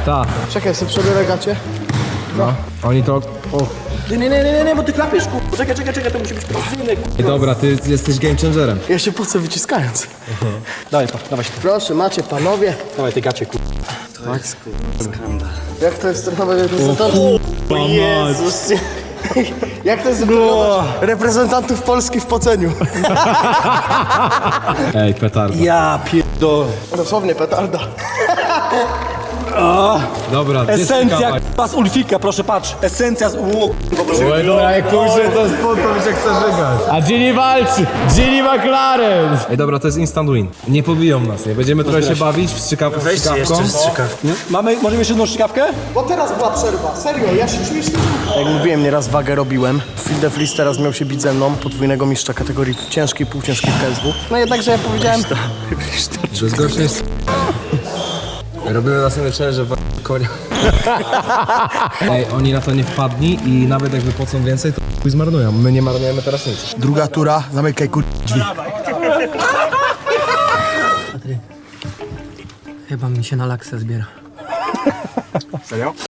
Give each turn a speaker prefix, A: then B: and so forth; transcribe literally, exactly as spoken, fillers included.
A: Ta.
B: Czekaj, sobie przebiorę gacie.
A: No. Oni to... O.
C: Nie, nie, nie, nie, nie, bo ty klapiesz, kur... Czekaj, czekaj, czekaj, to musi być precyzyjne, kur...
A: Ej, dobra, ty jesteś game changerem.
B: Ja się po co wyciskając.
C: Dawaj, pa, dawaj,
B: Proszę, macie panowie.
C: dawaj te gacie, kur...
B: Jak to jest trenować reprezentantów? O Jezus. Jak to jest trenować reprezentantów Polski w poceniu?
A: Ej, petarda.
C: Ja pierdolę.
B: Dosłownie petarda.
A: Dobra,
C: Esencja, k***a, z Ulfika, proszę patrz. Esencja z... Ło,
A: Oj, dobra, jak pójdzie to spod, to się chce żygać. A Ginny walczy! Ginny McLaren! Ej, dobra, to jest instant win. Nie pobiją nas, nie? Będziemy trochę się bawić w strzykaw- w strzykawką.
C: Nie? Mamy, możemy jeszcze jedną strzykawkę?
B: Bo teraz była przerwa, serio, ja się czuję szczęśliwy. Jak mówiłem, nieraz wagę robiłem. Phil de Vries teraz miał się bić ze mną, podwójnego mistrza kategorii ciężkiej, półciężkiej w K S W. No jednakże ja powiedziałem...
A: To jest gorsze jest... Robimy następny challenge w konia. Ej, oni na to nie wpadli i nawet jakby płacą więcej, to chuj zmarnują. My nie marnujemy teraz nic.
B: Druga tura, zamykaj kur... drzwi.
D: Chyba mi się na laksę zbiera.
C: Serio?